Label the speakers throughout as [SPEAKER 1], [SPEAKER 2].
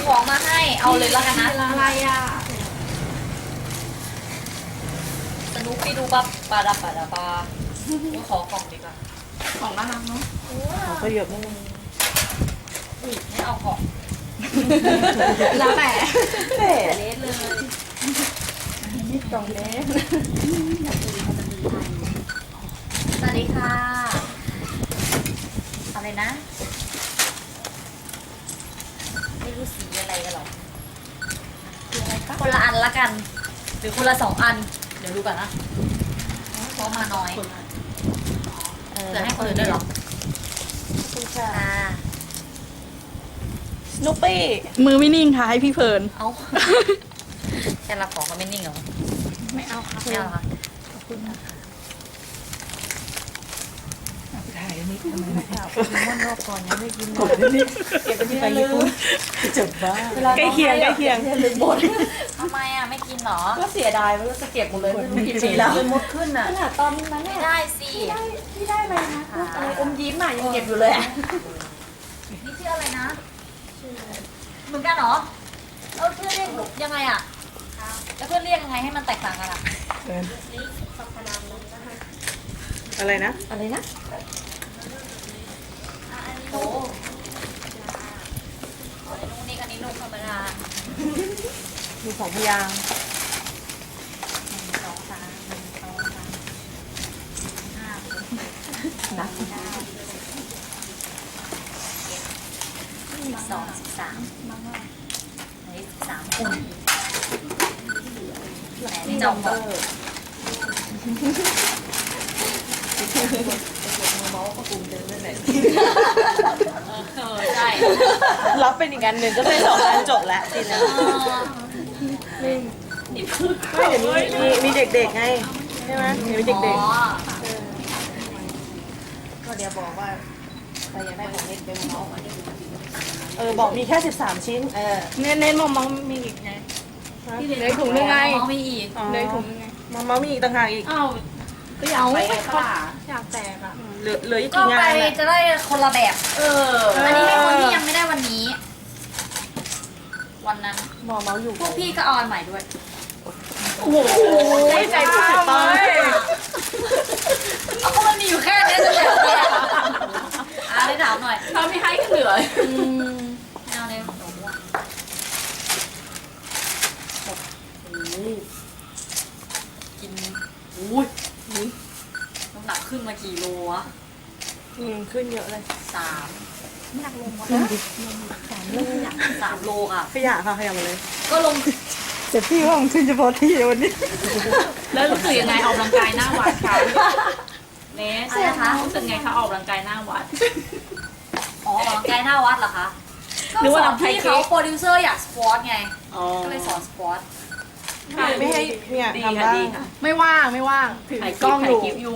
[SPEAKER 1] ของมาให้เอาเลยแล้วกันนะ
[SPEAKER 2] อะไรอ่ะ
[SPEAKER 1] สนุกไปดูปั๊บปาดาปาดาปาขอกล่องดีกว่า
[SPEAKER 2] ของน่ารักเนาะ
[SPEAKER 3] เขาก็เยอะมาก
[SPEAKER 1] อุ้ยไม่เอาของ
[SPEAKER 2] แล้วแต่
[SPEAKER 3] แต่
[SPEAKER 1] เละเลย
[SPEAKER 3] นี่กล่องเล็ก
[SPEAKER 1] สวัสดีค่ะอะไรนะไม่รู้สีอะไรกันหรอกคนละอันละกัน หรือคนละ2 อัน เดี๋ยวดูก่อนนะเพราะมาน้อยจะให้คนอื่นด้วยเหรอ
[SPEAKER 3] คุณค่ะ
[SPEAKER 1] ค่ะ
[SPEAKER 3] สโนปี้
[SPEAKER 2] มือไม่นิ่งค่ะให้พี่เพลิน
[SPEAKER 1] เอาแค่รับของก็ไม่นิ่งเหรอ
[SPEAKER 2] ไม่เอาค่ะ
[SPEAKER 1] ไม่เอาค่ะ
[SPEAKER 3] ถ่ายอันนี้ทำไมไม่ถ่าย
[SPEAKER 1] โปเกมอนรอบก่อนยังไม่กิน
[SPEAKER 3] กดอันนี้เก็บไปที่ไปญี่ปุ่นจะบ้าใกล้เคียงใกล้เคียงลืมหมด
[SPEAKER 1] ทำไมอ่ะไม่กินเหรอ
[SPEAKER 3] ก็เสียดายมันก็จะเก็บหมดเลยไม่รู้กี่ปีแล้วมันมดขึ้นอ่ะขนาดตอนนั้น
[SPEAKER 1] ไม่
[SPEAKER 3] เนี่ย
[SPEAKER 1] ได้สิ
[SPEAKER 3] ที่ได้เลยนะอะไรอมยิ้มอ่ะยังเก็บอยู่เลยอ่ะ
[SPEAKER 1] นี่ชื่ออะไรนะเหมือนกันเหรอเพื่อนเรียกยังไงอ่ะแล้วเพื่อนเรียกยังไงให้มันแตกต่างกันอ่ะ
[SPEAKER 3] อะไรนะอะไรนะ
[SPEAKER 1] อันนี้โอ้อันนี้นุ่งนี่อันนี้นุ่งธรรมดา
[SPEAKER 3] มีสองพยางค์
[SPEAKER 1] 1 2 3 1 2 3 5
[SPEAKER 3] นะ
[SPEAKER 1] 12 13อันนี้13 คนไหนนี่จอมบอกใช่
[SPEAKER 3] รับเป็นอีกอันหนึ่งก็ได้สองอันจบแล้วทีนี้ไม่เดี๋ยวมีเด็กๆไงใช่ไหมมีเด็ก
[SPEAKER 1] อ๋อ
[SPEAKER 3] ๆก็เดี๋ยวบอกว่าเราอยากได้ของเล่นเป็นเมาส์บอกมีแค่13ชิ้น
[SPEAKER 2] เน้นมองมีอีกไงเลยถุงนึงไง
[SPEAKER 1] มองไม่อีก
[SPEAKER 2] เลยถุงนึงไง
[SPEAKER 3] มามีอีกต่างหากอีก
[SPEAKER 2] อ้าวก็อยากไปค่ะอยากแตกอ่ะ
[SPEAKER 3] เหลืออีก
[SPEAKER 1] ก็
[SPEAKER 3] กี่
[SPEAKER 1] ไป
[SPEAKER 3] งานอะ
[SPEAKER 1] จะได้คนละแบบ อันนี้ให้คนที่ยังไม่ได้วันนี้ วันนั้น
[SPEAKER 3] หมอเมาส์อยู่
[SPEAKER 1] พวกพี่ก็เอาอันใหม่ด้วย
[SPEAKER 2] โอ้โหใจป้าเลย
[SPEAKER 1] เอาก็มันมีอยู่แค่นี้จะแบบอะไรได้ถามหน่อย
[SPEAKER 2] ถ้าไม่ให้ก็เหลือ
[SPEAKER 1] ไม่เอาเลยหนูอะกินอุ้ยน้ำหนักขึ้นมากี่โลวะ
[SPEAKER 3] ขึ้นเยอะเลย
[SPEAKER 1] 3
[SPEAKER 2] หนักลงวะ
[SPEAKER 1] 3 โลค่ะ
[SPEAKER 3] ขยะค่ะขยะหมดเลย
[SPEAKER 1] ก็ลง
[SPEAKER 3] แต่พี่ว่ามันขึ้นเฉพาะที่วันนี้
[SPEAKER 2] แล้วรู้สึกยังไงออกกำลังกายหน้าวัดคะเนส
[SPEAKER 1] อะไรนะคะ
[SPEAKER 2] รู้สึกไงคะออกกำลังกายหน้าวัด
[SPEAKER 1] อ๋อออกกำลังกายหน้าวัดเหรอคะ
[SPEAKER 2] หรือ
[SPEAKER 1] ก็
[SPEAKER 2] ว่า
[SPEAKER 1] สอน
[SPEAKER 2] ทำไทย
[SPEAKER 1] พี่
[SPEAKER 2] เก๊
[SPEAKER 1] เขาโปรดิวเซอร์อยากสปอร์ตไง ก็เลยสอนสปอร์ต
[SPEAKER 3] ไม่ให้เนี่ย
[SPEAKER 2] ดี
[SPEAKER 3] ทำ
[SPEAKER 2] ค่ะ
[SPEAKER 3] บ้าง
[SPEAKER 2] ดีค่ะไม่ว่างถือกล้องอยู่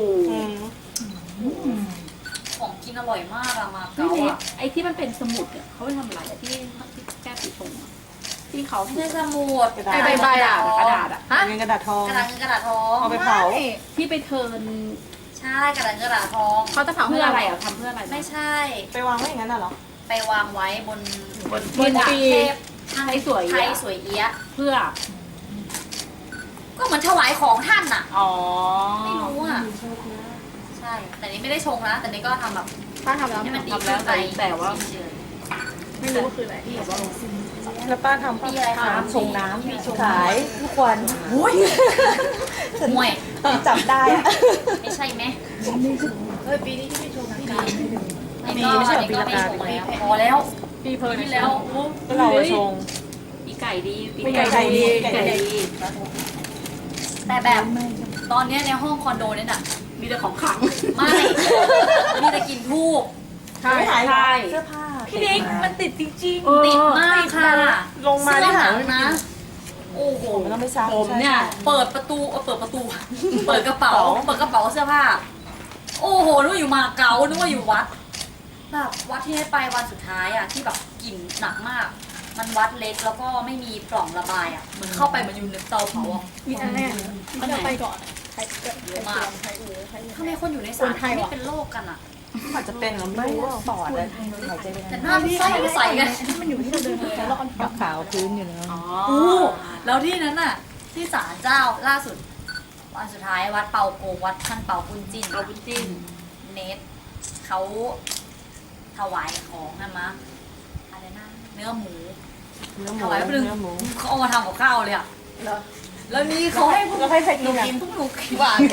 [SPEAKER 1] ของกินอร่อยมากอะมา
[SPEAKER 2] พี่
[SPEAKER 1] เก๊า
[SPEAKER 2] เนส
[SPEAKER 1] อะ
[SPEAKER 2] ไอ้ที่มันเป็นสมุดอะเขาไปทำอะไรอะที่แก้ปีชงอะที่เขา
[SPEAKER 1] ไม่ใช่สมุด
[SPEAKER 2] ไอ้ใบอะกระดาษอะ
[SPEAKER 1] ฮะ
[SPEAKER 3] เป็นกระดาษทอง
[SPEAKER 1] กระดาษเงินกระดาษทอง
[SPEAKER 3] เอาไปเผา
[SPEAKER 2] ที่ไปเทิร์น
[SPEAKER 1] ใช่กระดาษเงินกระดาษทอง
[SPEAKER 2] เขาจะเผาเพื่ออะไรอ่ะทำเพื่ออะไร
[SPEAKER 1] ไม่ใช่
[SPEAKER 3] ไปวางไว้อย่างนั้นน่ะเหรอ
[SPEAKER 1] ไปวางไว้บน
[SPEAKER 2] บน
[SPEAKER 1] บน
[SPEAKER 2] ปี
[SPEAKER 1] เทพ
[SPEAKER 2] ไทยสวย
[SPEAKER 1] ไทยสวยเอี้ยะ
[SPEAKER 2] เพื่อ
[SPEAKER 1] ก็เหมือนถวายของท่านอะ
[SPEAKER 2] อ๋อ
[SPEAKER 1] ไม่รู้อะใช่ แต่นี้ไม่ได้ชงนะ แต่นี้ก็ทำแบบ
[SPEAKER 2] ป้าทำแล้ว
[SPEAKER 1] ให้มันดี
[SPEAKER 2] ทำ
[SPEAKER 1] ขึ้
[SPEAKER 2] แล้
[SPEAKER 1] น
[SPEAKER 2] ว
[SPEAKER 1] ไป
[SPEAKER 2] แต่ว่า
[SPEAKER 1] เฉย
[SPEAKER 2] ไม่รู้ว่าคืออะไรที่แบบว่า
[SPEAKER 3] แล้วป้าทำ
[SPEAKER 1] ๆมีอะไรคะ
[SPEAKER 3] ชงน้ำขายทุกวัน
[SPEAKER 1] มวย
[SPEAKER 3] จับได้อะ
[SPEAKER 1] ไม่ใช่ไหม
[SPEAKER 3] ปีนี้ที่ไม่ชงน้ำกา
[SPEAKER 1] นี่ก็
[SPEAKER 3] ไม่ใช่
[SPEAKER 1] นี่ก็
[SPEAKER 3] ปี
[SPEAKER 1] ไม่
[SPEAKER 3] ละ
[SPEAKER 1] ช
[SPEAKER 3] กา
[SPEAKER 1] งแล้วพอแล้ว
[SPEAKER 2] ปีเพลิน
[SPEAKER 1] นี่แล้ว
[SPEAKER 3] ก็เราชง
[SPEAKER 2] ปีไก่ดี
[SPEAKER 3] ไก่ดี
[SPEAKER 2] ไก่ดี
[SPEAKER 1] แต่แบบตอนเนี้ยในห้องคอนโดเนี่ยน่ะ
[SPEAKER 2] มีแต่ของขัง
[SPEAKER 1] ไม่ มีแต่กลินทูบ
[SPEAKER 2] ใช่
[SPEAKER 3] ไม่หาย
[SPEAKER 2] ใช่
[SPEAKER 3] เสื้อผ้า
[SPEAKER 2] พี่นิกมันติดจริง
[SPEAKER 1] ติดมากค่ะ
[SPEAKER 3] ลงมา
[SPEAKER 1] เสื้
[SPEAKER 3] ได้
[SPEAKER 1] อห
[SPEAKER 3] หา
[SPEAKER 1] นังนะ โอ้โห
[SPEAKER 3] มันต้องไม่ซัก
[SPEAKER 2] ผมเนี่ย
[SPEAKER 1] เปิดประตู เปิดกระเป๋าเสื้อผ้า โอ้โหนึกว่าอยู่มาเก๊านึกว่าอยู่วัด แบบวัดที่ให้ไปวันสุดท้ายอ่ะที่แบบกลิ่นหนักมาก มันวัดเล็กแล้วก็ไม่มีปล่องระบายอ่ะเหมือนเข้าไปมันอยู่ในเตาเผาอ่ะ
[SPEAKER 2] มีอันแรกมันจะไปก่อน
[SPEAKER 1] เยอะมากทำไมคนอยู่ในศาลเขาไม่เป็นโรคกันอ่ะ
[SPEAKER 3] อาจจะเป็นเราไม่รู้ว่าปอดเลยหายใจไป
[SPEAKER 1] แต่หน้าใสกัน
[SPEAKER 3] มันอยู่ที่เราเดินแล้วเราขาวพื้นอยู่แล้ว
[SPEAKER 2] อ๋อ
[SPEAKER 1] โอ้แล้วที่นั้นน่ะ ที่ศาลเจ้าล่าสุด วันสุดท้ายวัดเปาโกงวัดท่านเปาปุ้นจิ้น
[SPEAKER 2] เอาบุญจิ้น
[SPEAKER 1] เนทเขาถวายของนะมะอะไรนะเนื้อหมู
[SPEAKER 3] เนื้อหมู
[SPEAKER 1] ถวายแป๊บนึง
[SPEAKER 3] เนื้อหมู
[SPEAKER 1] เขาเอามาทำกับข้าวเลยอ่ะแล้วนี่เขาให้พวก
[SPEAKER 3] แล้วให้ใครกินอ่ะ
[SPEAKER 1] พวกหนูกินหวาน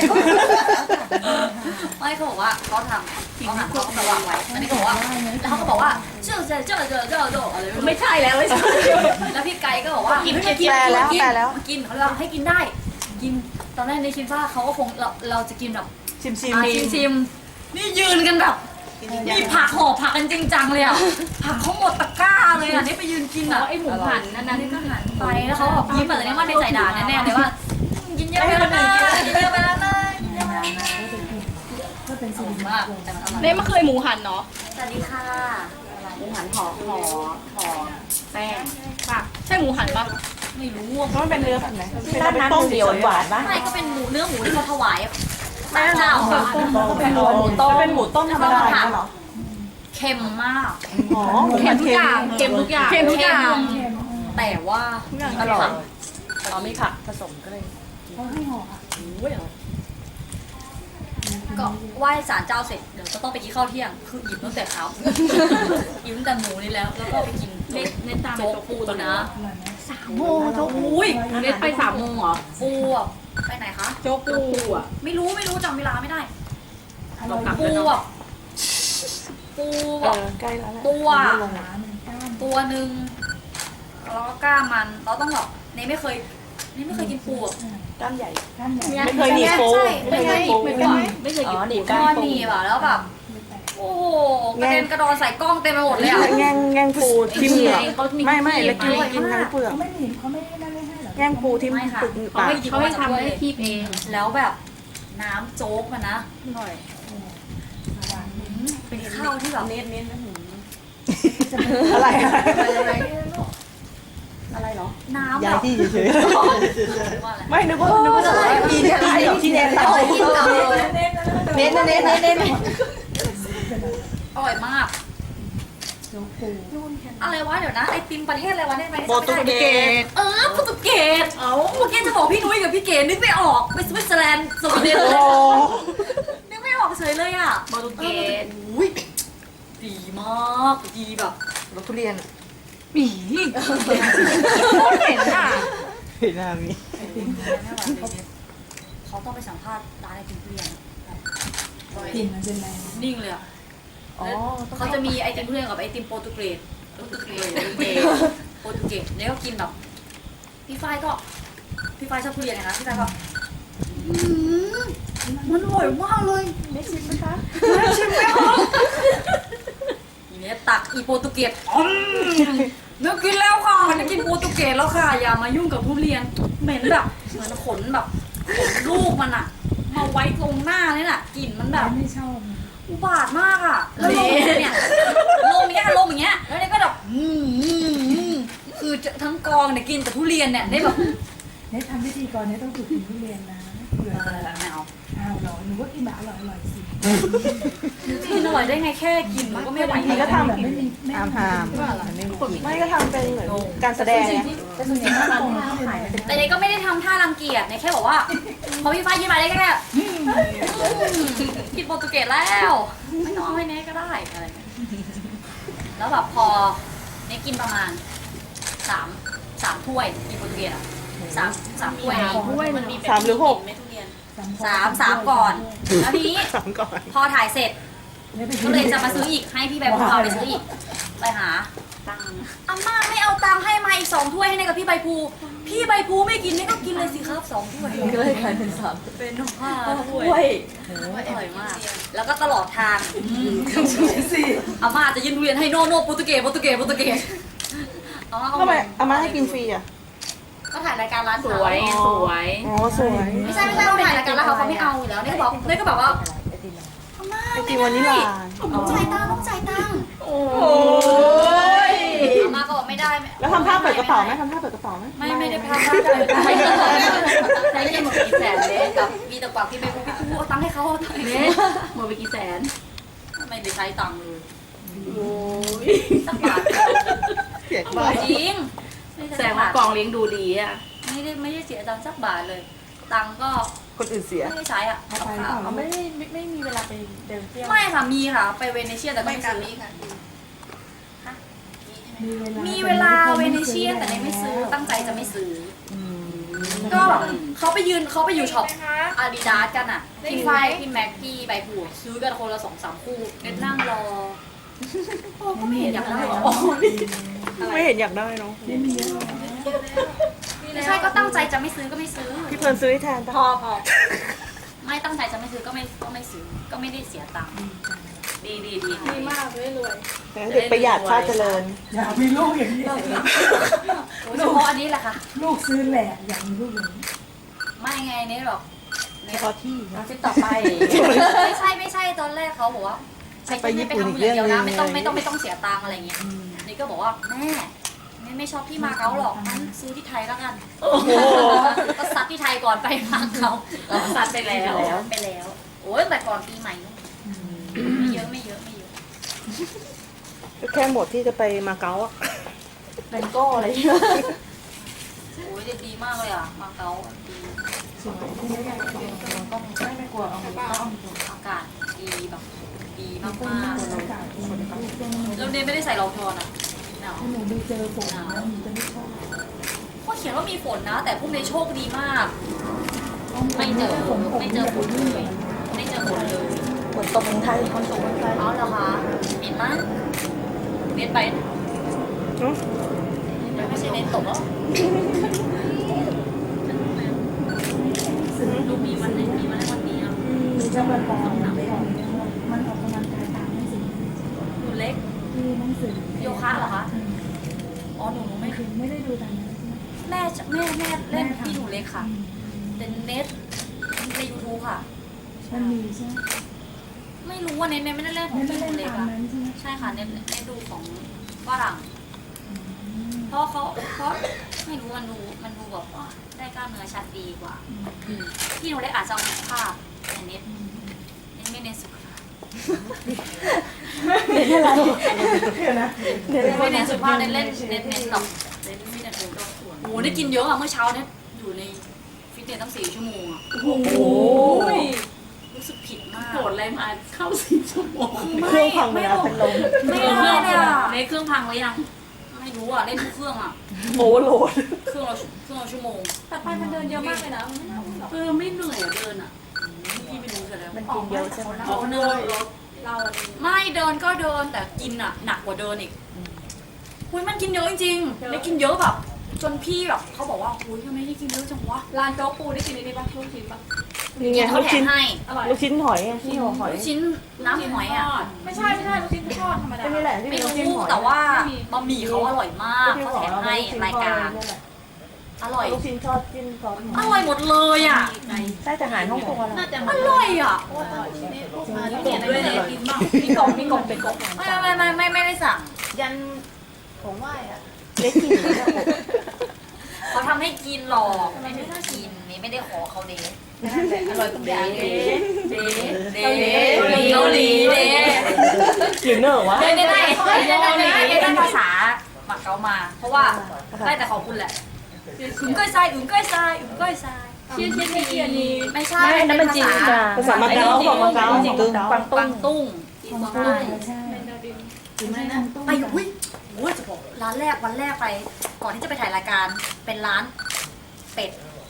[SPEAKER 1] ไม่เขาบอกว่าเขาทำเขาหั่นเขาก็มาวางไว้อันนี้เขาบอกว่าแล้วเขาก็บอกว่าเจ้าอะไร
[SPEAKER 2] ไม่ใช่แล้วไม่ใช่
[SPEAKER 1] แล้วพี่ไก่ก็บอกว่ากิน
[SPEAKER 3] แปลแล้วแปลแล้ว
[SPEAKER 1] กินเขาเราให้กินได้ กินตอนแรกในคิดว่าเขาก็คงเราจะกินแบบ
[SPEAKER 3] ชิม
[SPEAKER 1] ชิมนี่ยืนกันแบบมีผักห่อผักกันจริงจังเลยอ่ะผักเขาหมดตะกร้าเลยอ่ะนี่ไปยืนกินอ่ะ
[SPEAKER 2] ไอหมูหันนั่น
[SPEAKER 1] นี่ก็หันไปแล้วเขาแบบยิ้มแบบนี้ว่าในใจด่าแน่ๆเลยว่ากินเยอะไปแล้วนะกินเยอะไปแล้วนะกินเยอะไปแล้วนะสูงมากแต่มันอร่อย
[SPEAKER 2] เน่ไม่เคยหมูหันเนาะ
[SPEAKER 1] สวัสดีค่ะ
[SPEAKER 2] หมูหันห่อแป้งค่ะใช่หมูหันปะ
[SPEAKER 1] ไม่รู้
[SPEAKER 3] ๆเพราะมันเป็นเนื้อแบบไหนเป็นต้มเดียวหวานป่ะ
[SPEAKER 1] ไม่ก็เป็นหมูเนื้อหมูที่เขาถวายศาลเจ้า
[SPEAKER 3] ก็เป็นหมูต้มเป็นหมูต้มธรรมดาอย่างเงี้ยเหรอ
[SPEAKER 1] เค็มมาก
[SPEAKER 3] อ๋อ
[SPEAKER 2] เค็มทุกอย่างเค็มทุกอย่าง
[SPEAKER 1] แต่ว่า
[SPEAKER 3] อร่อยอ๋อมีผักผสมก็เลย
[SPEAKER 1] ก็ไหว้ศาลเจ้าเสร็จเดี๋ยวก็ต้องไปกินข้าวเที่ยงคืออิ่มตั้งแต่เช้าอิ่มตั้งแต่หมูนี่แล้วแล้วก็ไปกิน
[SPEAKER 2] เน็ตตาม
[SPEAKER 1] โจ๊กปูตัวนะ
[SPEAKER 2] โอ้โจ๊กอุ้ยเน็ตไป3 โมงเหรอ
[SPEAKER 1] ปูอะไปไหนคะ
[SPEAKER 2] โจ๊กปูอ่ะ
[SPEAKER 1] ไม่รู้จำเวลาไม่ได้
[SPEAKER 2] เรากลับ
[SPEAKER 1] ปู
[SPEAKER 2] แล้ว
[SPEAKER 1] แบ
[SPEAKER 2] เนาะ
[SPEAKER 1] บปู
[SPEAKER 3] ใกล้แล้วแหละ
[SPEAKER 1] ตัวหนึ่งแล้วก็กล้ามมันเราต้องแบบนี่ไม่เคยกินปูอะ
[SPEAKER 3] ก้านใหญ่
[SPEAKER 2] ไม่
[SPEAKER 3] ไม่เคยหนีบปู
[SPEAKER 1] ใช่
[SPEAKER 3] ไม่เคยหนีบปู
[SPEAKER 2] ไม่เคย
[SPEAKER 3] อ๋
[SPEAKER 2] กิ
[SPEAKER 3] อน หนีบ
[SPEAKER 1] ก้
[SPEAKER 3] ก้า
[SPEAKER 1] อน น
[SPEAKER 3] ปู
[SPEAKER 1] หนีบอะแล้วแบบโอ้โหกระเด็นกระดอนใส่กล้องเต็มไปหมดเลยอะ
[SPEAKER 3] แง่งปูทิ่มเหงือกไม่แล้วกิน
[SPEAKER 1] อร่อย
[SPEAKER 3] กินทั้ง
[SPEAKER 1] มาก
[SPEAKER 3] เปลือกแง่งปูทิ่มเปลือก
[SPEAKER 2] เขา
[SPEAKER 3] ปาก
[SPEAKER 2] ให้ทำให้คีบเอง
[SPEAKER 1] แล้วแบบน้ำโจ๊กมันนะ
[SPEAKER 2] อร่อย
[SPEAKER 1] เป็นข้าวที่แบบ
[SPEAKER 3] อะไร
[SPEAKER 1] อะไรเหรอน้ำแบ
[SPEAKER 3] ย้าย
[SPEAKER 1] บ
[SPEAKER 3] ที่เฉย
[SPEAKER 1] ว่าอะไร
[SPEAKER 3] ๆไม่นึกว่ากินที่เน้นเรา เน้น
[SPEAKER 1] อร่อยมากอะไรวะเดี๋ยวนะไอติมประเทศอะไรวะเนี่ย
[SPEAKER 3] โปรตุเกส
[SPEAKER 1] โปรตุเกสเมื่อกี้จะบอกพี่นุ้ยกับพี่เก๋นึกไม่ออกไปสวิตเซอร์แลนด์สวีเดน
[SPEAKER 3] โอ้
[SPEAKER 1] นึกไม่ออกเฉยเลยอ่ะ
[SPEAKER 2] โปรตุเกส
[SPEAKER 1] อุ้ยดีมากดีแบบ
[SPEAKER 3] รสทุเรียน
[SPEAKER 2] ปีเห็นอ่ะ
[SPEAKER 3] เห็นหน้ามี
[SPEAKER 1] เขาต้องไปสัมภาษณ์ร้านไอติมทุเรียน
[SPEAKER 4] กลิ่นมันเป็นไง
[SPEAKER 1] นิ่งเลยอ่ะ
[SPEAKER 3] อ๋อ
[SPEAKER 1] เขาจะมีไอติมทุเรียนกับไอติมโปรตุเกสโปรตุเกสแล้วก็กินแบบพี่ฝ้ายชอบทุเรียนนะพี่ฝ้ายก็มันอร่อยมากเลย
[SPEAKER 3] ได้ชิมไหมคะ
[SPEAKER 1] ชิมไหมคะทีนี้ตักอีโปรตุเกสนึกกินแล้วค่ะจะกินโปรตุเกสแล้วค่ะอย่ามายุ่งกับทุเรียนเหม็นแบบเหมือนขนแบบขนลูกมันอะมาไว้ตรงหน้าเนี่ยน่ะกลิ่นมันแบบ
[SPEAKER 4] ไม่ชอบ
[SPEAKER 1] อุบาทมากอ่ะแล้วลมเนี่ยลมอย่างเงี้ยแล้วเนี่ยก็แบบคือทั้งกองเนี่ยกินแต่ทุเรียนเนี่ยได้แบบ
[SPEAKER 4] เนี่ยทำพิธีกรเนี่ยต้องฝึกกินทุเรียนนะเผื่อจะ
[SPEAKER 1] ไม่เอา
[SPEAKER 4] อ้าวเหรอหนูก็กินแบบอร่อยสิ
[SPEAKER 1] กินอร่อยได้ไงแค่กินมันก็ไม่ไหว
[SPEAKER 3] นี่ก็ทำแบบ
[SPEAKER 4] ไม่มีไม่
[SPEAKER 3] หามไม่ก็ทำเป็นเหมือนการแสดงไง
[SPEAKER 4] แต่ส่วนใหญ่ถ้าตรงเขาขายเป็น
[SPEAKER 1] แต่เนี่ยก็ไม่ได้ทำท่ารังเกียจเนี่ยแค่บอกว่าพอพี่ฟ้ายิ้มมาได้แค่กินโปรตุเกสแล้วไม่ต้องเอาให้เน่ก็ได้อะไรเงี้ยแล้วแบบพอเนี่ยกินประมาณสามถ้วยกินโปรตุเกสอ่ะสามถ้วย
[SPEAKER 2] มันมี
[SPEAKER 3] 3 หรือ 6
[SPEAKER 1] ไม่ทุเรียนสามก่อน แล้วทีนี้
[SPEAKER 3] 3 ก่อน
[SPEAKER 1] พอถ่ายเสร็จ ก็เลยจะมาซื้ออีกให้พี่ใบภูเอาไปซื้ออีกไปหา
[SPEAKER 2] ตังค์
[SPEAKER 1] อาม่าไม่เอาตังค์ให้มาอีก2 ถ้วยให้ในกับพี่ใบภูพี่ใบภูไม่กินนี่ก็กินเลยสิครับ2 ถ้วย
[SPEAKER 3] ก็เลยกลายเป็น3
[SPEAKER 1] เป็น5 ถ้วยอร่อยมาก แล้วก็ตลอดทางอาม่าจะยืนเวียนให้โน่โปรตุเกสอาม่าก็
[SPEAKER 3] ทำไมอาม่าให้กินฟรีอ่ะ
[SPEAKER 1] ก็ถ่ายรายการร้าน
[SPEAKER 2] ส
[SPEAKER 1] เขา
[SPEAKER 2] วยสวย
[SPEAKER 3] อ๋อสวย
[SPEAKER 1] ไม่ใช่เขาถ่ายรายการแล้วเขาไม่เอาอยู่แล้วเนี่ยก็แบบว่าอาม่า
[SPEAKER 3] ไอติมวานิลลา
[SPEAKER 1] ต้องจ่ายตังค์
[SPEAKER 2] โอ้ย
[SPEAKER 1] อาม่าก็บอกไม่ได้
[SPEAKER 3] แล้วทำท่าเปิดกระเป๋าไหมทำท่าเปิดกระเป๋าไหม
[SPEAKER 1] ไม่ได้พาไม่ได้ใช้เงินหมดกี่แสนเลยกับมีแต่กว่าพี่ใบภูพี่ภูเอาตังค์ให้เขาเอาตังค์ให้
[SPEAKER 2] เน็
[SPEAKER 1] เขา
[SPEAKER 2] ตหมดไปกี่แสน
[SPEAKER 1] ทำไมไม่ได้ใช้ตังค์เลย
[SPEAKER 2] โอ้ย
[SPEAKER 1] สักบาท
[SPEAKER 3] เสีย
[SPEAKER 1] จ
[SPEAKER 3] บ้า
[SPEAKER 1] ริงไม่
[SPEAKER 2] แสดงว่ากองเลี้ยงดูดีอ่ะ
[SPEAKER 1] ไม่ได้เสียตังค์สักบาทเลย ตังค์ก็
[SPEAKER 3] คนอื่นเสีย
[SPEAKER 1] ไม่ได้ใช้อ่ะ
[SPEAKER 4] เอาไปเปล่า
[SPEAKER 3] เขาไม่มีเวลาไปเดินเที่ยว
[SPEAKER 1] ไม่ค่ะมีค่ะไปเวเนเชียแต่ก็ไม่ซื้อ มีเวลาเวเนเชียแต่ไม่ซื้อตั้งใจจะไม่ซื้อก็แบบเขาไปอยู่ช็อปอาดิดาสกันอ่ะพี่ไฟพี่แม็กพี่ใบผูซื้อกันคนละ2-3 คู่เน็ตนั่งรอโอ้ก็ไม่เห็นอยากได้หรอ
[SPEAKER 3] ไม่เห็นอยากได้เนาะ
[SPEAKER 4] ไม่มีเยอะหรอก
[SPEAKER 1] ไม่ใช่ก็ตั้งใจจะไม่ซื้อก็ไม่ซื้อ
[SPEAKER 3] พี่เพลิร์นซื้อให้แทนปะ
[SPEAKER 1] ไม่ตั้งใจจะไม่ซื้อก็ไม่ซื้อก็ไม่ได้เสียตังค์ดี
[SPEAKER 2] ดีมากเลยรวย
[SPEAKER 3] เด็กประหยัดชาติเจริญ
[SPEAKER 4] อยากมีลูกอย่างนี้
[SPEAKER 1] เฉพาะอันนี้แหละค่ะ
[SPEAKER 4] ลูกซื้อแหละอยากมีลูกอย่างนี้
[SPEAKER 1] ไม่ไงเนี่ยหรอก
[SPEAKER 3] เฉพาะที่นะ
[SPEAKER 2] คลิปต่อไป
[SPEAKER 1] ไม่ใช่ตอนแรกเขาบอกว่า
[SPEAKER 3] ไปญี่ปุ่น
[SPEAKER 1] ทำ
[SPEAKER 3] อีก
[SPEAKER 1] อย่างเดียวนะ
[SPEAKER 3] เรื่
[SPEAKER 1] ไม่
[SPEAKER 3] อง
[SPEAKER 1] ต้อง
[SPEAKER 3] หนึ่ง
[SPEAKER 1] ไม่ต้องเสียตังค์อะไรเงี้ยนี่ก็บอกว่าแม่ไม่ชอบที่มาเก๊าหรอกงั้นซื้อที่ไทยแล้วกัน
[SPEAKER 3] โอ้โห
[SPEAKER 1] ก็ซัดที่ไทยก่อนไปมาเก๊า
[SPEAKER 2] ซัดไปแล้ว
[SPEAKER 1] ไปแล้วโอ้ยแต่ก่อนปีใหม่นู่นไม่เยอะ
[SPEAKER 3] ก็แค่หมดที่จะไปมาเก๊าอะ
[SPEAKER 2] เป็นโก้อะไรเงี้ย
[SPEAKER 1] โอ้ยดีมากเลยอ่ะมาเก๊าดี
[SPEAKER 4] สวยที่ไม่ได้ต้องไม่กลัวเอาต้อง
[SPEAKER 1] อากาศดีแบบดีมาก
[SPEAKER 4] ต้อง
[SPEAKER 1] มาก
[SPEAKER 4] อากาศดีลูกต้อง
[SPEAKER 1] แล้วเนี่ยไม่ได้ใส่รองเท้านะหนาว
[SPEAKER 4] ถ้าหนูไปเจอฝนนะหนูจะไม่ชอบ
[SPEAKER 1] ก็เขียนว่ามีฝนนะ แต่พวกนี้โชคดีมาก ไม่เจอ
[SPEAKER 4] ฝน
[SPEAKER 1] ไม่เจอฝนเลยไม่เจอฝนเลย
[SPEAKER 3] ฝนตกเมืองไทยฝนตกเมืองไทย
[SPEAKER 1] เอาเหรอคะเห็นไหมเน็ตไปไม่ใช่เน็ตตกแล้วดูมีวันไหนมีวันไหนวันนี้อ่ะ
[SPEAKER 4] มีเจ้าบันปอมันออกกำลังกายตามหนังสือ
[SPEAKER 1] หนูเล็ก
[SPEAKER 4] ที่หนังสือ
[SPEAKER 1] โยคะเหรอคะอ๋อหนูไม่
[SPEAKER 4] ไม่ได้ดูตามนั้นใช่ไหม
[SPEAKER 1] แม่เล่นพี่หนูเล็กค่ะแต่เน็ตใน YouTube ค่ะ
[SPEAKER 4] มันมีใช่ไหม
[SPEAKER 1] ไม่รู้ว่าเน็ตไม่ได้เล่นของ
[SPEAKER 4] ไม่
[SPEAKER 1] พี่ห
[SPEAKER 4] ได้
[SPEAKER 1] นูเล็ก
[SPEAKER 4] ตาม
[SPEAKER 1] อะ
[SPEAKER 4] นั้นใช่ไหม
[SPEAKER 1] ใช่ค่ะเน็ตดูของฝรั่งเพราะไม่รู้มันดูแบบว่าได้กล้ามเนื้อชัดดีกว่าพี่หนูเล็กอาจจะเอาภาพแต่เน็ตไม่เน้นสุขภาพ
[SPEAKER 3] เห็นอะไร
[SPEAKER 4] เดี๋ยวนะ
[SPEAKER 1] ไม่เน้นสุขภาพเน้นเล่นเน้นแบบเน้นฟิตเนสโอ้โหได้กินเยอะอะเมื่อเช้าเนี่ยอยู่ในฟิตเนสตั้ง4 ชั่วโมงอะ
[SPEAKER 2] โอ้โห
[SPEAKER 1] รู้สึกผิดมาก
[SPEAKER 2] โหดอะไรมาเข้า4 ชั่วโมง
[SPEAKER 3] เครื่องพังเวลาเป็นลม
[SPEAKER 1] ไม่ได้เลยอะในเครื่องพังหรือยังไม่รู้อะเล่นทุกเครื่องอะ
[SPEAKER 3] โอเวอร์โหลด
[SPEAKER 1] เครื่องละชั่วโมง
[SPEAKER 2] แต่ไปมันเดินเยอะมากเลยนะมันไม่น่าวุ่นหรอกไม่เหนื่อยเดินอ่ะ
[SPEAKER 1] พี่ไม่รู้เสร็จแล้ว
[SPEAKER 3] มันกินเยอะใช่ไหม
[SPEAKER 2] ออกเนินรถเราอะไร
[SPEAKER 1] ไม่เดินก็เดินแต่กินอะหนักกว่าเดินอีกคุยมันกินเยอะจริงๆได้กินเยอะแบบ จนพี่แบบเขาบอกว่าคุยทำไมได้กินเยอะจังวะ
[SPEAKER 2] ร้านโจ๊กปูได้กินนี่ปะลูกชิ้นปะ
[SPEAKER 3] นี่ไง
[SPEAKER 1] เขา
[SPEAKER 3] ลูก
[SPEAKER 1] แถ
[SPEAKER 3] ชิ้
[SPEAKER 1] ม
[SPEAKER 3] น
[SPEAKER 1] ให้
[SPEAKER 2] อร่อย
[SPEAKER 3] ลูกชิ้นหอยอะที่หัวหอย
[SPEAKER 1] ลูกชิ้นน้ำหอยอะ
[SPEAKER 2] ไม่ใช่ลูกชิ้นทอดธรรมดา
[SPEAKER 3] ก็นี่แหละที่
[SPEAKER 1] ไม่
[SPEAKER 3] เป็นลูกชิ้น
[SPEAKER 1] รู้
[SPEAKER 3] หอย
[SPEAKER 1] แต่ว่า
[SPEAKER 2] ไม่มี
[SPEAKER 1] บะหมี่เขาอร่อยมาก
[SPEAKER 3] ที่
[SPEAKER 1] เขา
[SPEAKER 3] หัว
[SPEAKER 1] แถม
[SPEAKER 3] เรา
[SPEAKER 1] ให้
[SPEAKER 3] ลูกชิ้น
[SPEAKER 1] ราย
[SPEAKER 3] ทอด
[SPEAKER 1] การ
[SPEAKER 3] นี่แหละ
[SPEAKER 1] อร่อย
[SPEAKER 3] ลูกชิ้นทอดจิ้มซอสห
[SPEAKER 1] อ
[SPEAKER 3] อย
[SPEAKER 1] ร่อยหมดเลยอ่ะ
[SPEAKER 3] ใช่แต่หารฮ่องกงอร่อย
[SPEAKER 2] น่าจะ
[SPEAKER 1] อร่อยอ่ะ
[SPEAKER 2] เนี่ยด้วยเลยกินบ้างมีกบเป็นกบ
[SPEAKER 1] ไม่ได้สั่ง
[SPEAKER 3] ยันของไหว้อะได้กินไหมอะ
[SPEAKER 1] เขาทำให้กินหรอกไม่ได้กินนี่ไม่ได้ขอเขาเด้
[SPEAKER 3] อร่อยทุกอย่าง
[SPEAKER 1] เด้เกาหลีเด้
[SPEAKER 3] หรือเนอะวะ
[SPEAKER 1] ได้ภาษาหมักเกามา เพราะว่าได้แต่ขอบคุณแหละอึ้งก้อยทราย
[SPEAKER 2] เชียนี่
[SPEAKER 1] ไม่ใช่
[SPEAKER 3] นั่นมันจีนจ้าภาษามาเก๊าบอกมาเก๊าก
[SPEAKER 1] วางตุ้ง
[SPEAKER 4] ของ
[SPEAKER 1] กวาง
[SPEAKER 4] ตุ้
[SPEAKER 1] ตุ้
[SPEAKER 4] ง
[SPEAKER 1] ง
[SPEAKER 4] ใช่
[SPEAKER 2] ถึงไหมนะ
[SPEAKER 4] ตุ้ง
[SPEAKER 1] ไปอุ้ยโอ้ยจะบอกร้านแรกวันแรกไป ก่อนที่จะไปถ่ายรายการเป็นร้านเป็ด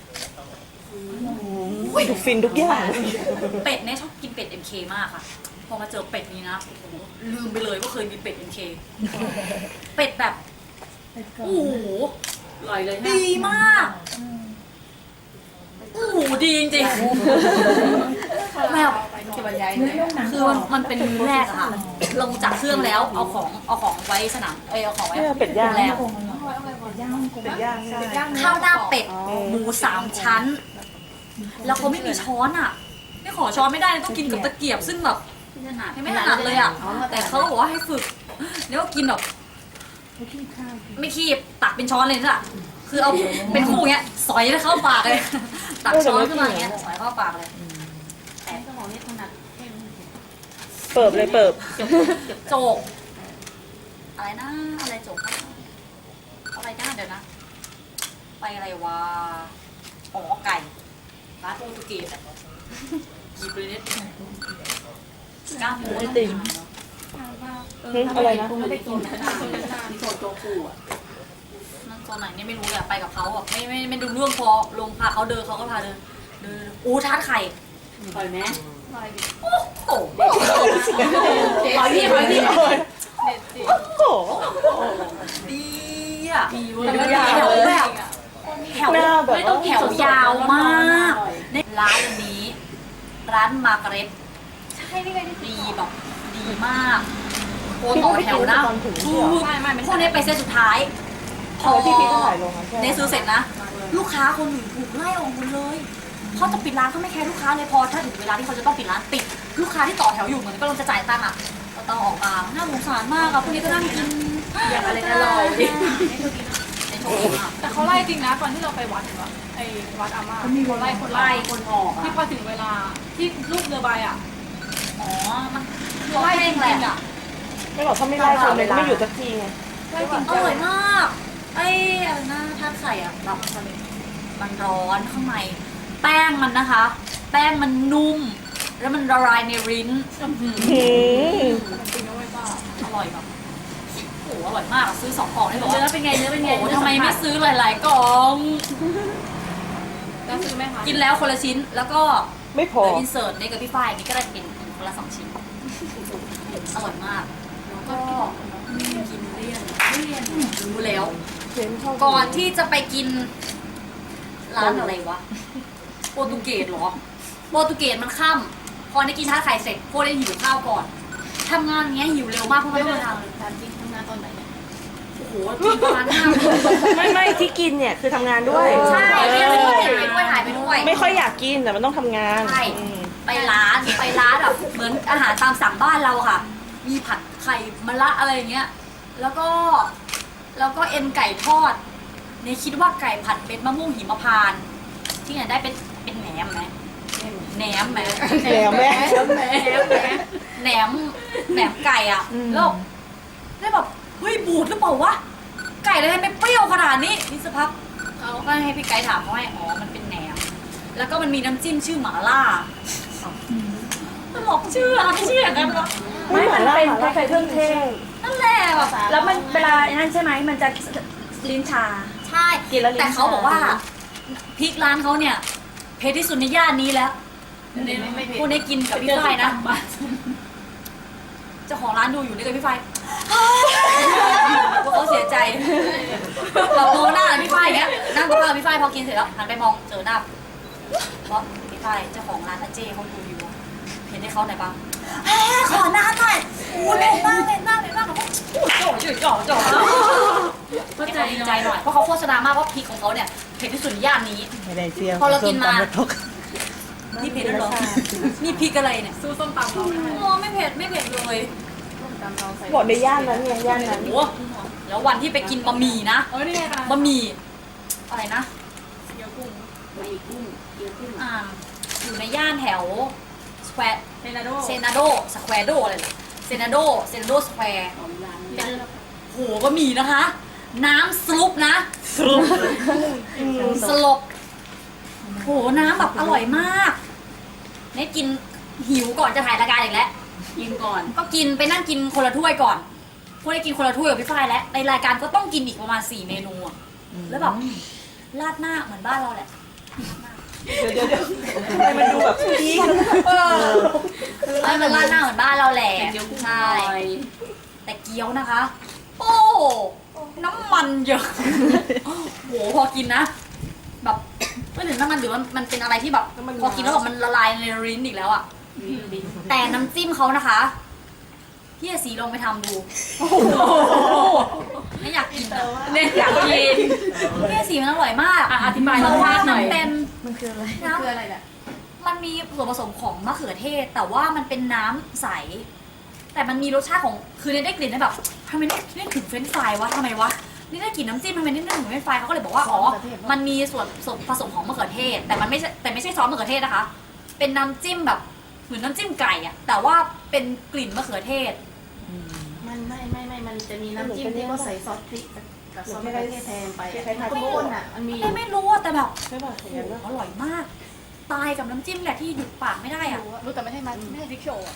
[SPEAKER 3] ทุกฟินทุกอย่าง
[SPEAKER 1] เป็ดเนี่ยชอบกินเป็ด MK มากค่ะ พอมาเจอเป็ดนี้นะโอ้โหลืมไปเลยว่าเคยมีเป็ด MK เป็ดแบบ
[SPEAKER 4] เป็ดกรอ
[SPEAKER 1] โอ้โห
[SPEAKER 2] อร่อยเลย
[SPEAKER 1] ดีมากโอ้โหดีจริงๆแบบ
[SPEAKER 2] จะบรรยาย
[SPEAKER 4] เนื้อนุ่มหนัง
[SPEAKER 1] คือมันเป็นมื้อแรกอะค่ะ ลงจากเครื่องแล้วเอาของไว้สนามเอาของไว้
[SPEAKER 3] เป็ดย่าง
[SPEAKER 1] โรงแรม
[SPEAKER 4] คงอร่อยเป็ดย่างฮ่องกง
[SPEAKER 3] เป็ดย่างใช่
[SPEAKER 1] ข้าวหน้าเป็ดหมู3 ชั้น แล้วเขาไม่มีช้อนอ่ะ ไม่ขอช้อนไม่ได้ต้องกินกับตะเกียบซึ่งแบบไม่ถนัดเลยอ่ะ แต่เขาบอกว่าให้ฝึกแล้วก็กินแบบ
[SPEAKER 4] ไม่ขี้ข้าว
[SPEAKER 1] ไม่คีบตักเป็นช้อนเลยจ้ะคือเอาเป็นคู่อย่างเงี้ยสอยเข้าปากเลยตักช้อนขึ้นมาอย่างเงี้ยสอยเข้าปากเลย
[SPEAKER 2] แต่สมองนี่ถนัด
[SPEAKER 3] เปิบเลยเปิบ
[SPEAKER 1] โจก อะไรนะอะไรโจกอะไรนะเดี๋ยวนะ ไปอะไรวะอ๋อไก่ร้านโปรตุเกสอะหยิบเลยเนี่ยกล้ามหมู
[SPEAKER 3] ไอติมอะไรนะ
[SPEAKER 2] ไม่ได้กินนะโซโจกูอ่ะ
[SPEAKER 1] นั่นตอนไหนเนี่ยไม่รู้เลยอะไปกับเขาอะไม่ดูเรื่องพอลงพาเขาเดินเขาก็พาเดินอู้ทาดไข่
[SPEAKER 2] ปล่อยไหม
[SPEAKER 1] โอ้โหขอพี่
[SPEAKER 3] โอ้โห
[SPEAKER 1] ดีอ่ะ
[SPEAKER 2] ดีเว้ย
[SPEAKER 1] แล้วก็แถวแบบแถว
[SPEAKER 3] หน้าแบบ
[SPEAKER 1] ไม่ต้อง
[SPEAKER 3] ว่า
[SPEAKER 1] แถวยาวมากร้านนี้ ร้านมาร์กาเร็ตใช่นี่ไงดีแบบดีมากโคต่อแถวนะ
[SPEAKER 3] ตอนถึง
[SPEAKER 1] ถู
[SPEAKER 3] ที่เหรอก
[SPEAKER 1] พวกนี้ไปเซตสุดท้าย พอ
[SPEAKER 3] ที่พี่ก็ถ่ายลงนะใช่
[SPEAKER 1] เนซื้อเสร็จนะ ลูกค้าคนอื่นถูกไล่ออกหมดเลยเขาจะปิดร้านเขาไม่แคร์ลูกค้าเลยพอถ้าถึงเวลาที่เขาจะต้องปิดร้านปิดลูกค้าที่ต่อแถวอยู่เหมือนก็ลงจะจ่ายตังค์อ่ะก็ต้องออกมาน่าสงสารมากอ่ะพวกนี้ก็นั่งกิน
[SPEAKER 2] อย่างอะไรอร่อยดิ
[SPEAKER 1] ในโชว์อ่ะ
[SPEAKER 5] แต่เขาไล่จริงนะตอนที่เราไปวัดเห็นปะไอ้วัดอาม่าเขาไล่คน
[SPEAKER 1] ไล่คนออก
[SPEAKER 5] ที่
[SPEAKER 1] อ่ะ
[SPEAKER 5] พอถึงเวลาที่ลูกเรือใบอ่ะ
[SPEAKER 1] อ๋อมันคือไล่เองแหละ
[SPEAKER 3] ไม่บอกเขาไม่ไล่คนเลยไม่อยู่สักทีไง
[SPEAKER 5] ไล่จริง
[SPEAKER 1] อร่อยมากไอ้อะไรนะท่าไข่อ่ะแบบมันร้อนข้างในแป้งมันนะคะ แป้งมันนุ่ม แล้วมันละลายในลิ้น
[SPEAKER 3] หืม
[SPEAKER 5] จริงนะเว้ยป้า
[SPEAKER 1] อร่อยแบบโอ้โหอร่อยมากอะซื้อ2 กล่องได้บอก
[SPEAKER 2] เนื้
[SPEAKER 1] ว่า
[SPEAKER 2] อเป็นไงเนื้อเป็นไง
[SPEAKER 1] โอ้โหทำไมไม่ซื้อหลายๆกล่อง
[SPEAKER 5] แล้วซื้อไหมคะ
[SPEAKER 1] กินแล้วคนละชิ้น แล้วก็
[SPEAKER 3] ไม่พอ
[SPEAKER 1] เดี๋ยวอินเสิร์ตในกับพี่ฝ้ายนี่ก็ได้เป็นคนละ2 ชิ้น อร่อยมาก แล้วก็กินเลี่ยนรู้แล้ว
[SPEAKER 3] เห็นชอบ
[SPEAKER 1] ก่อนที่จะไปกินร้านอะไรวะ โปรตุเกสเหรอ โปรตุเกสมันค่ำพอได้กินชาไข่เสร็จพวกได้หิวข้าวก่อนทำงานอย่างเงี้ยหิวเร็วมากเพราะไม่ต้องเดินทางเลย
[SPEAKER 5] การจริงทำงานตอนไหนเนี่ย
[SPEAKER 1] โอ้โหกินประมาณ5 โมง
[SPEAKER 3] ไม่ที่กินเนี่ยคือทำงานด้วย
[SPEAKER 1] ใช่ไปด้วยถ่ายไปด้วย
[SPEAKER 3] ไม่ค่อยอยากกินแต่มันต้องทำงาน
[SPEAKER 1] ใช่
[SPEAKER 3] อืม
[SPEAKER 1] ไปร้านแบบเหมือนอาหารตามสั่งบ้านเราค่ะ มีผัดไข่มะระอะไรอย่างเงี้ย แล้วก็เอ็นไก่ทอดเนี่ยคิดว่าไก่ผัดเป็นมะม่วงหิมพานต์ที่ไหนได้เป็นแหนมไหมแหนมไหม
[SPEAKER 3] แหนมแม่
[SPEAKER 1] แหนมไก่อ่ะแล้วได้แบบเฮ้ยบูดหรือเปล่าวะไก่เลยทำไมเปรี้ยวขนาดนี้นี่สักพักเขาก็ให้พี่ไก่ถามเขาให้อ๋อมันเป็นแหนม แล้วก็มันมีน้ำจิ้มชื่อหม่าล่าตลกชื่ออะไรไม่ชื่ออย่างนั้นหรอ
[SPEAKER 3] ไม่มันเป็นใส่เครื่องเทศ
[SPEAKER 1] นั่นแหละแบบ
[SPEAKER 2] แล้วมันเวลานั่นใช่ไหมมันจะลิ้นชา
[SPEAKER 1] ใช่
[SPEAKER 2] กินแล้วลิ้น
[SPEAKER 1] แต่เขาบอกว่า
[SPEAKER 2] ชา
[SPEAKER 1] พริกร้านเขาเนี่ยเผ็ดที่สุดในย่านนี้แล้วพวกนี้กินกับพี่ฝ้ายนะเจ้าของร้านดูอยู่นี่กับพี่ฝ้ายพวกเขาเสียใจเรามองหน้าพี่ฝ้ายอย่างเงี้ยนั่งกับข้าวพี่ฝ้ายพอกินเสร็จแล้วหันไปมองเจอหน้าเพราะพี่ฝ้ายเจ้าของร้านอาเจ้เขาดูอยู่เห็นให้เขาหน่อยบ้างขอหน้าหน่อยโอ้เล่นมากแบบจ่อก็ดีใจหน่อยเพราะเขาโฆษณามากว่าพริกของเขาเนี่ยเผ็ดที่สุดในย่านนี้
[SPEAKER 3] ไม่ได้เสีย
[SPEAKER 1] พอเรากินมา
[SPEAKER 3] ส้ตำกระทก
[SPEAKER 1] นี่เผ็ดแล้วเหรอนี่พริกอะไรเนี่ย
[SPEAKER 5] สู้ส้มตำเราไม่ได้
[SPEAKER 1] โอ้ไม่เผ็ดเลย
[SPEAKER 5] ส้มตำเราใส่
[SPEAKER 3] บอกในย่านนั้นไงย่านนั้น
[SPEAKER 1] โอ้แล้ววันที่ไปกินบะหมี่นะ
[SPEAKER 5] นี่ไงคะ
[SPEAKER 1] บะหมี่อะไรนะ
[SPEAKER 5] เกี๊ยวกุ้ง
[SPEAKER 2] ไม่กุ้งเกี๊ยวกุ้ง
[SPEAKER 1] อยู่ในย่านแถวสแควร์
[SPEAKER 5] เทนาโด
[SPEAKER 1] เซนาโดสแควร์โดอะไรเนี่ยเซนาโดสแควร์
[SPEAKER 2] ของร้าน
[SPEAKER 1] โหบะหมี่นะคะ น้ำสลุปนะ
[SPEAKER 3] สรุป
[SPEAKER 1] สลบโหน้ำแบบอร่อยมากเนี่ยกินหิวก่อนจะถ่ายรายการอีกแล้ว
[SPEAKER 2] กินก่อน
[SPEAKER 1] ก็กินไปนั่งกินคนละถ้วยก่อนพวกได้กินคนละถ้วยกับพี่ฝ้ายแล้วในรายการก็ต้องกินอีกประมาณ4 เมนูอะแล้วแบบราดหน้าเหมือนบ้านเราแหละ
[SPEAKER 3] เดี๋ยวทำไมมันดูแบบพีค
[SPEAKER 1] ไม่มันราดหน้าเหมือนบ้านเราแหละ
[SPEAKER 2] แต่เกี๊ยวกุ้งอ
[SPEAKER 1] ใช่
[SPEAKER 2] ร่อย
[SPEAKER 1] แต่เกี๊ยวนะคะ โอ้น้ำมันเยอะโหพอกินนะ แบบไม่ถึงน้ำมันหรือมันเป็นอะไรที่แบบพอกินแล้วแบบมันละลายในลิ้นอีกแล้วอะแต่น้ำจิ้มเขานะคะพี่อาศีลองไปทำดูไม่อยากกินอะ
[SPEAKER 2] เนี่ยอยากกิน
[SPEAKER 1] พี่อาศีมันอร่อยมาก
[SPEAKER 2] อธิบาย
[SPEAKER 1] เพ
[SPEAKER 2] รส
[SPEAKER 1] ราะว่า
[SPEAKER 2] ชาติห
[SPEAKER 1] มั
[SPEAKER 2] น่
[SPEAKER 1] น
[SPEAKER 2] อย
[SPEAKER 1] เป็น
[SPEAKER 3] มันคืออะไร
[SPEAKER 1] น้
[SPEAKER 5] คืออะไรเนี่ย
[SPEAKER 1] ำมันมีส่วนผสมของมะเขือเทศ แต่ว่ามันเป็นน้ำใส แต่มันมีรสชาติของคือได้กลิ่นได้แบบทำไมได้ถึงเฟรนช์ฟรายวะทำไมวะนี่ได้กลิ่นน้ำจิ้มทำไมนี่ได้ถึงเฟรนช์ฟรายเขาก็เลยบอกว่าอ๋อมันมีส่วนผสมของมะเขือเทศ แต่มันไม่ใช่ซอสมะเขือเทศนะคะ เป็นน้ำจิ้มแบบเหมือนน้ำจิ้มไก่อะแต่ว่าเป็นกลิ่นมะเขือเทศ
[SPEAKER 3] มันไม่มันจะมีน้ำจิ้มที่ก็ใส่ซอสพริกกับซอสมะเขือเทศแทนไปทุกคนอ่ะมันมี
[SPEAKER 1] ไม่รู้อะแต่แบบ
[SPEAKER 3] ใช่ป่ะ
[SPEAKER 1] โอ้โหอร่อยมาก ตายกับน้ำจิ้มแหละที่หยุดปากไม่ได้อะ
[SPEAKER 5] รู้แต่ไม่ใช่มันไม่ใช่พริกโชว์อะ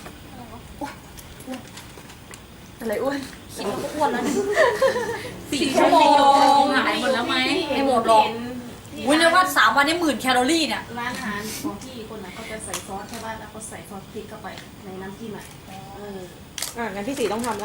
[SPEAKER 3] อะไรอ้วน
[SPEAKER 1] คิดว่าก็อ้วนแล้วเนี่ย4 ชั่วโมงหายหมดแล้วไหมไม่หมดหรอกวุ้นเลยว่า3 วันนี้10,000 แคลอรี่เนี่ย
[SPEAKER 3] ร้านอาหารของพี่คนน่ะก็จะใส่ซอสใช่ป่ะแล้วก็ใส่ซอสพริกเข้าไปในน้ำจิ้มอ่ะงั้นพี่สีต้องทำละ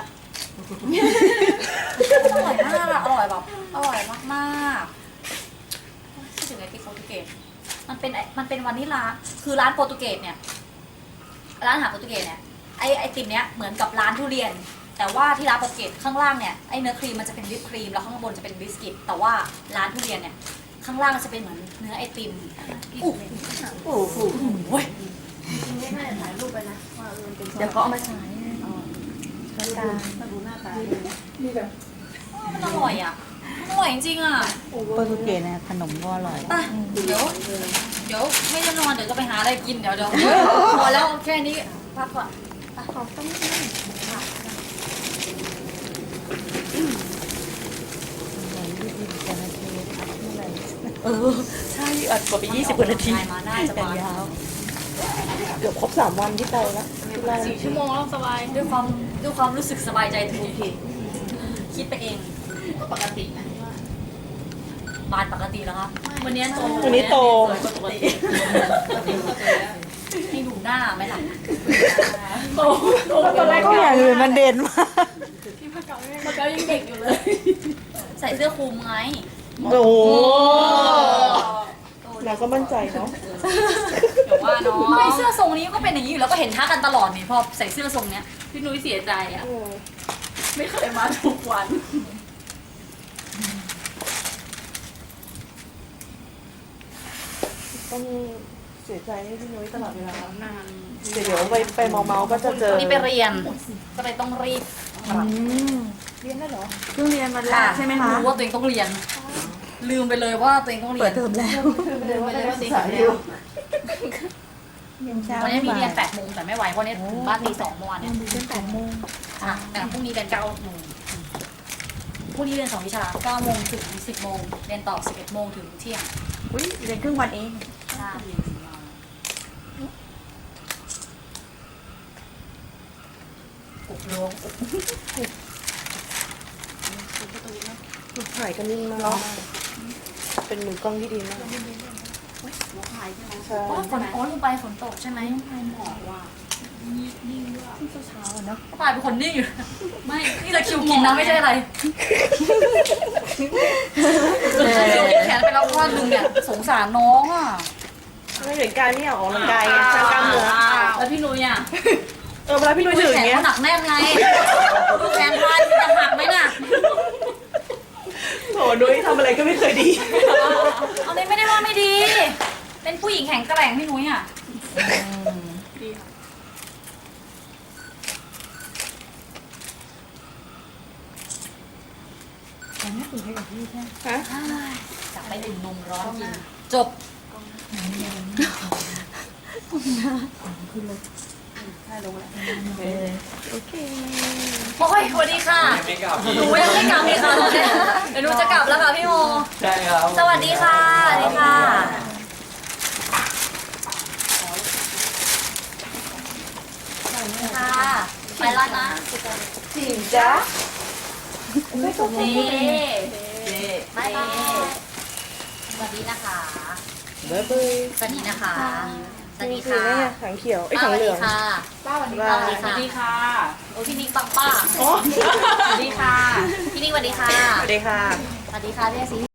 [SPEAKER 1] อร่อยมากอะอร่อยแบบอร่อยมากๆคิดถึงไอติมโปรตุเกสมันเป็นวานิลลาคือร้านโปรตุเกสเนี่ยร้านอาหารโปรตุเกสเนี่ยไอติมเนี้ยเหมือนกับร้านทุเรียน แต่ว่าที่ร้านโปรตุเกสข้างล่างเนี่ยไอเนื้อครีมมันจะเป็นวิปครีมแล้วข้างบนจะเป็นบิสกิตแต่ว่าร้านทุเรียนเนี่ยข้างล่างจะเป็นเหมือนเนื้อไอติมโอ้โห
[SPEAKER 3] จริงๆไม่น่าจะถ่ายรูปไปนะว่ามันเป็นซอส
[SPEAKER 4] เดี๋ยวเขาเอามาฉาย
[SPEAKER 3] ถ้าดูหน้าตา
[SPEAKER 4] มีแบบ
[SPEAKER 1] มันอร่อยอ่ะอร่อยจริงๆอ่ะ
[SPEAKER 6] โปรตุเกสเนี่ยขนมก็อร่อย
[SPEAKER 1] ไปเดี๋ยวไม่ได้นอนเดี๋ยวจะไปหาอะไรกินเดี๋ยวพอแล้วแค่นี้พักก่อน
[SPEAKER 3] ใช่อัดกว่าไป20 กว่านาที
[SPEAKER 1] มาน่าจะมาย
[SPEAKER 3] าวเกือบครบ3 วันที่ไปแล้ว
[SPEAKER 5] 4 ชั่วโมงแล้วสบาย
[SPEAKER 1] ด้วยความรู้สึกสบายใจถูกคิดไปเอง
[SPEAKER 3] ก็ปกตินะว่า
[SPEAKER 1] บานปกติแล้วครับวันนี้โต
[SPEAKER 3] วันนี้โต
[SPEAKER 1] ปกติให้ดูหน้าไหมล่ะ
[SPEAKER 5] โตตอนแรก
[SPEAKER 6] ก็อย่างอื่นมันเด่นมาก
[SPEAKER 5] ที่พระเก่ายังเด็กอยู่เลย
[SPEAKER 1] ใส่เสื้อคลุมไง
[SPEAKER 3] โอ้โห
[SPEAKER 1] โต
[SPEAKER 3] เราก็มั่นใจเนาะ
[SPEAKER 1] เดี๋ยวว่าเนาะไม่เสื้อทรงนี้ก็เป็นอย่างนี้อยู่แล้วก็เห็นทักกันตลอดนี่พอใส่เสื้อทรงเนี้ยพี่นุ้ยเสียใจอ่ะ
[SPEAKER 5] ไม่เคยมาทุกวัน
[SPEAKER 3] ต้องเสียใจให้พี่นุ้ยตลอดเวลานานเดี๋ยวไปเมาก็จะเจอ
[SPEAKER 1] วันนี้ไปเรียนก็เลยต้องรีบ
[SPEAKER 3] เรียนได้เหรอ
[SPEAKER 6] เพิ่งเรียนมาแล้
[SPEAKER 1] ค่ะ
[SPEAKER 6] วใช่ไหมคะ
[SPEAKER 1] รู้ว่าตัวเองต้องเรียน ลืมไปเลยว่าตัวเองต้องเรียน
[SPEAKER 6] เปิดเทอมแล้ว
[SPEAKER 3] เรียนว่าได้ศึกษาอยู่
[SPEAKER 6] ยังเช้า
[SPEAKER 1] วันนี้มีเรียน
[SPEAKER 6] บ่าย
[SPEAKER 1] 8 โมงแต่ไม่ไหวเพราะเนี่ยถึงบ้านตี 2 เมื่อวานเนี่ย
[SPEAKER 6] เรียน8 โมง
[SPEAKER 1] อ่ะแต่พรุ่งนี้เรียน 9 โมงพรุ่งนี้เรียน 2 วิชา 9 โมงถึง 10 โมง เรียนต่อ 11 โมงถึงเที่ยง
[SPEAKER 6] อุ้ยเรียนครึ่งวันเอง
[SPEAKER 1] ใช่อุบลวง
[SPEAKER 3] ถ่ายกันนิ่งมากเป็นมือกล้องที่ดีมากใช่
[SPEAKER 1] อ๋อฝนลงไปฝนตกใช่ไหม
[SPEAKER 6] เช้าเนาะ
[SPEAKER 1] ปายเป็นคนนิ่งอยู่ ไม่ นี่ตะคริวกินนะไม่ใช่อะไรตะคริวกินแขนไปแล้วข้อนึงเนี่ยสงสารน้องอ่ะ
[SPEAKER 3] ไม่เห็นการไม่อยากออกกำลังกายไงสร้างกล้ามเนื้อ
[SPEAKER 1] แล้วพี่นุ้ยอ่ะ
[SPEAKER 3] เวลาพี่นุ้ยถืออย่างเงี้ย
[SPEAKER 1] แขนเขาหนักแน่นไงดูแขนพายจะหักไหมน่ะ
[SPEAKER 3] โถนุ้ยทำอะไรก็ไม่เคยดี
[SPEAKER 1] เอาเลยไม่ได้ว่าไม่ดี เป็นผู้หญิงแข็งแกร่งพี่นุ้ยอ่ะ
[SPEAKER 5] ดีค่ะ
[SPEAKER 4] แต่ไม่ตื่นให้กับพี่ใช่ไหม
[SPEAKER 1] จับไปดื่มนมร้อนกิน จบ
[SPEAKER 6] โอเค
[SPEAKER 1] โอ้ยสวัสดีค่ะ
[SPEAKER 7] ไม่กลับ
[SPEAKER 1] หนูยังไม่กลับเลยค่ะตอนเนี้ยเดี๋ยวหนูจะกลับแล้วค่ะพี่โม
[SPEAKER 7] ใช่ครับ
[SPEAKER 1] สวัสดีค่ะ สวัสดีค่ะค่ะ ไปแล้วนะ
[SPEAKER 3] จริงจ้ะ
[SPEAKER 1] นี่บายบายสวัสดีนะคะ
[SPEAKER 3] เบ๊ยบาย
[SPEAKER 1] สวัสดีนะคะ สวัสดี
[SPEAKER 3] คือ
[SPEAKER 1] ค่ะ
[SPEAKER 3] เนี่ยถังเขียวไอ้
[SPEAKER 1] ส
[SPEAKER 3] ถัง
[SPEAKER 1] วัส
[SPEAKER 3] เหลื
[SPEAKER 1] ดี
[SPEAKER 3] อง
[SPEAKER 1] ค่ะ
[SPEAKER 5] ป้าวันนี้
[SPEAKER 3] บ๊าย
[SPEAKER 1] สวัสดี
[SPEAKER 3] บาย
[SPEAKER 1] ค่ะโอ้พี่นิกปังป้า
[SPEAKER 3] โอ้
[SPEAKER 1] สวัสดีค่ะ พี่นิกสวัสดีค่ะ
[SPEAKER 3] สวัสดีค่ะ
[SPEAKER 1] สวัสดีค่ะพี่อาซี